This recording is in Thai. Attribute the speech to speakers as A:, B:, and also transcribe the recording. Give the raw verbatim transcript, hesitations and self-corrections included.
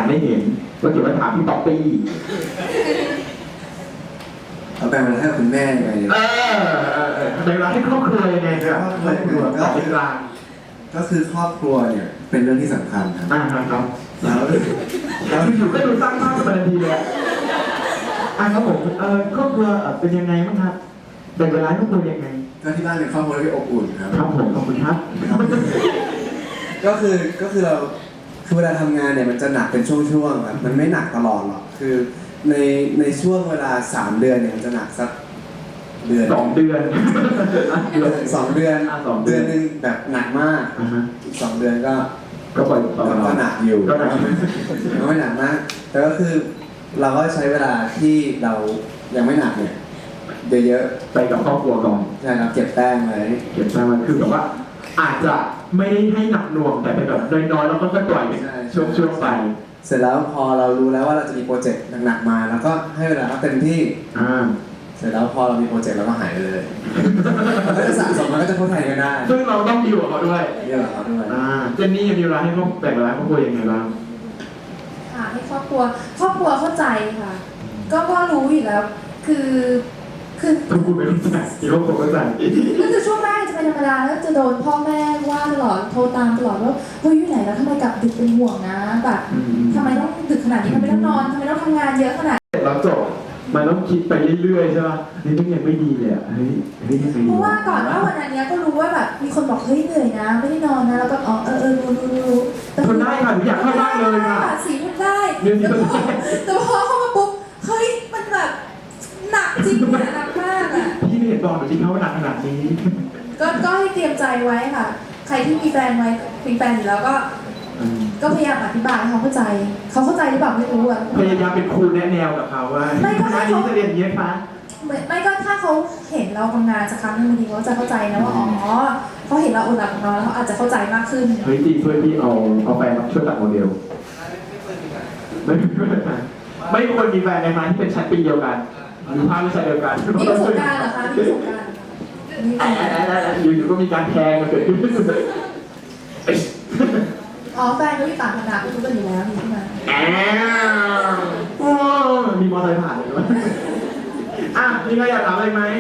A: ไม่เห็นก็เก็บไว้ถามพี่ป๊อปปี้
B: เอาแบ่งเวลาให้คุณแม่ยังไงเนี่ย
A: เออแบ่งเวลาให้ครอบครัวยังไงครับครอบครัวต่อเป็นกลาง
B: ก็คือครอบครัวเนี่ยเป็นเรื่องที่สำคัญครับ
A: อ่าครับ
B: แล้ว
A: แล้วอยู่ก็ดูสร้างภาพเป็นทันทีเลยอ่ะครับผมเออครอบครัวเป็นยังไงบ้างครับแบ่งเวลาให้ครอบครัวยังไง
B: ก็ที่บ้านเป็นครอบครัวที่อบอุ่นครับ
A: ครับผมขอบคุณครับ
B: ก็คือก็คือเราคือเวลาทำงานเนี่ยมันจะหนักเป็นช่วงๆครับมันไม่หนักตลอดหรอกคือในในช่วงเวลาสามเดือนเนี่ยมันจะหนักสักเดือน
A: สองเดือน
B: สองเดือนเดือนหนึ่งแบบหนักมากอีกสองเดือนก็
A: ก็ปล่อย
B: ก็หนักอยู่
A: ก็หนัก
B: ไม่หนักมากแต่ก็คือเราก็ใช้เวลาที่เรายังไม่หนักเนี่ยเยอะ
A: ๆไปกับครอบครัวก่อน
B: ใช่ครับเก็บแต้มเลย
A: เก็บแต้มมันคือแบบว่าอาจจะไม่ได้ให้หนักหน่วงแต่เป็นแบบน้อยๆแล้วก็ค่อยปล่อยช่วงๆไป
B: เสร็จแล้วพอเรารู้แล้วว่าเราจะมีโปรเจกต์หนักๆมาแล้วก็ให้เวลาเขาเต็มที่เสร็จแล้วพอเรามีโปรเจกต์เราก็หายไปเลยมันก็จะสะสมมันก็จะเข้าไทยกันได้
A: ซึ่งเราต้องดีกว่าเขาด้วย
B: ดีกว่าเขาด้วย
A: เจนนี่มีเวลาให้ครอบแบ่งเวลาครอบครัวยังไงบ้าง
C: ค่ะให้ครอบครัวครอบครัวเข้าใจค่ะก็ก็รู้อยู่แล้วคือคือ
A: คุณพูดไม่รู้จักที่ครอบครัวเข้าใจ
C: ก็คือช่วงแรกจะเป็นธรรมดาแล้วจะโดนพ่อแม่ว่าตลอดโทรตามตลอดว่าเฮ้ยอยู่ไหนแล้วทำไมกลับดึกเป็นห่วงนะแบบทำไมต้องดึกขนาดนี้ทำไมต้องนอนทำไมต้องทำงานเยอะขนาด
A: เราจบมันต้องคิดไปเรื่อยๆใช่ป่ะนี่ต้องยังไม่ดีเลยอ่ะเฮ้ยเฮ้ยยังไม่ดี
C: เพราะว่าก่อนว่าวันนี้ก็รู้ว่าแบบมีคนบอกเฮ้ยเหนื่อยนะไม่ได้นอนนะแล้วก็อ๋อเออเออรู้รู้รู้
A: ทนได้ค่ะหนูอยากเข้าบ้านเลยค่ะ
C: สีมันได้แต่พอเข้ามาปุ๊บเฮ้ยมันแบบหนักจริงเนี่ยหนักมากอ่ะ
A: พี่ไม่เห็นบอกหนูจริงเขาว่าหนักขนาดนี้
C: ก็ก็ให้เตรียมใจไว้ค่ะใครที่มีแฟนไว้มีแฟนอยู่แล้วก็ก็พยายามอธิบายให้เขาเข้าใจเขาเข้าใจหรือเปล่าไม่รู้อ่ะ
A: พยายามเป็นครูแนะแนวกับเขาว่า
C: ไม่ก็ให้เขา
A: จะเรียนอย่างนี้คะ
C: ไม่ก็ถ้าเขาเห็นเราทำงานสักครั้งนึงบางทีเขาจะเข้าใจนะว่าอ๋อเขาเห็นเราอดหลับนอนแล้วเขาอาจจะเข้าใจมากขึ้น
A: เฮ้ยดีช่วยพี่เอาเอาแฟนมาช่วยตัดโมเดลไม่ไม่ควรมีแฟนในมาที่เป็นชั้นปีเดียวกันหรือภาควิชาเดียวกัน
C: มีประสบการณ์เหรอคะมีประสบการณ์
A: อยู่ๆก็มีการแทงกันเกิดขึ้น
C: อ๋อแฟนเขาอยู่ต่างคณะรู้กันอยู่แล้วมีใช่ไหม
A: มีมอเตอร์ไซค์ผ่านเลยด้วยอ่ะมีใครอยากถามอะไรไหม